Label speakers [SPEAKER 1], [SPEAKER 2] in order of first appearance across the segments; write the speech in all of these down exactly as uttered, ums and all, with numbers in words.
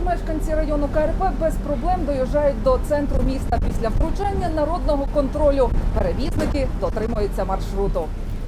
[SPEAKER 1] мешканці району Ка Ер Пе без проблем доїжджають до центру міста. Після втручання народного контролю перевізники дотримуються маршруту.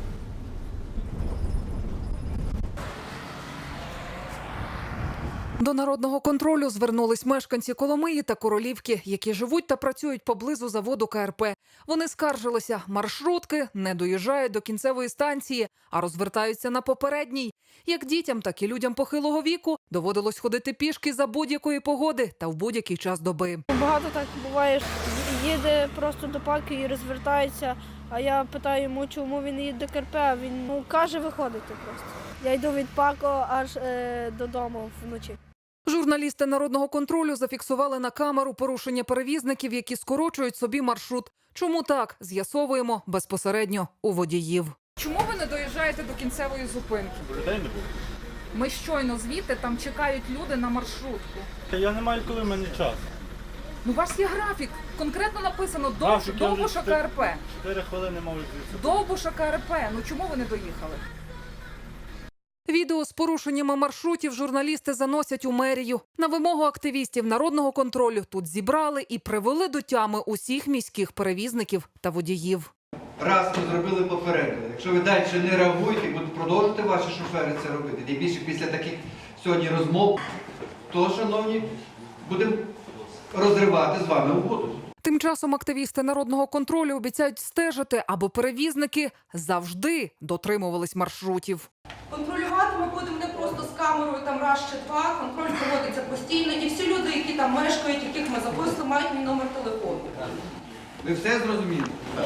[SPEAKER 1] До народного контролю звернулись мешканці Коломиї та Королівки, які живуть та працюють поблизу заводу Ка Ер Пе. Вони скаржилися, маршрутки не доїжджають до кінцевої станції, а розвертаються на попередній. Як дітям, так і людям похилого віку доводилось ходити пішки за будь-якої погоди та в будь-який час доби.
[SPEAKER 2] Багато так буває, їде просто до паки і розвертається, а я питаю йому, чому він їде до Ка Ер Пе, а він ну, каже виходити просто. Я йду від пако аж е, додому вночі.
[SPEAKER 1] Журналісти народного контролю зафіксували на камеру порушення перевізників, які скорочують собі маршрут. Чому так? З'ясовуємо безпосередньо у водіїв. Чому ви не доїжджаєте до кінцевої зупинки?
[SPEAKER 3] Людей не було.
[SPEAKER 1] Ми щойно звідти, там чекають люди на маршрутку.
[SPEAKER 3] Я не маю коли, в мене час.
[SPEAKER 1] Ну, у вас є графік. Конкретно написано Довбуш,
[SPEAKER 3] Графік, я вже
[SPEAKER 1] Довбуша Ка Ер Пе.
[SPEAKER 3] Чотири хвилини можу звідси.
[SPEAKER 1] Довбуша Ка Ер Пе. Ну чому ви не доїхали? Відео з порушеннями маршрутів журналісти заносять у мерію. На вимогу активістів народного контролю тут зібрали і привели до тями усіх міських перевізників та водіїв.
[SPEAKER 4] Раз ми зробили попередили. Якщо ви далі не реагуєте і будуть продовжувати ваші шофери це робити, тим більше після таких сьогодні розмов, то, шановні, будемо розривати з вами угоду.
[SPEAKER 1] Тим часом активісти народного контролю обіцяють стежити, аби перевізники завжди дотримувались маршрутів.
[SPEAKER 5] Контролювати ми будемо не просто з камерою там раз чи два, контроль проводиться постійно, і всі люди, які там мешкають, яких ми записали, мають мій номер телефону.
[SPEAKER 4] Ви все зрозуміли?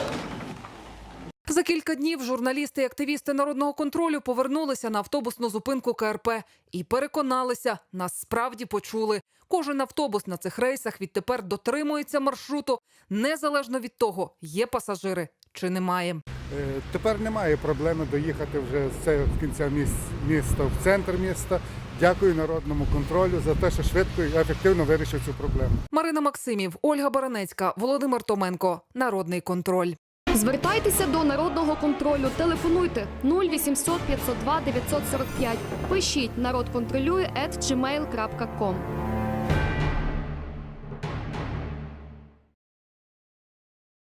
[SPEAKER 1] За кілька днів журналісти і активісти народного контролю повернулися на автобусну зупинку Ка Ер Пе і переконалися, нас справді почули. Кожен автобус на цих рейсах відтепер дотримується маршруту, незалежно від того, є пасажири чи немає.
[SPEAKER 6] Тепер немає проблеми доїхати вже з кінця міста в центр міста. Дякую народному контролю за те, що швидко і ефективно вирішив цю проблему.
[SPEAKER 1] Марина Максимів, Ольга Баранецька, Володимир Томенко. Народний контроль.
[SPEAKER 7] Звертайтеся до народного контролю. Телефонуйте нуль вісімсот п'ятсот два дев'ятсот сорок п'ять. Пишіть народ контролює ет джі мейл крапка ком.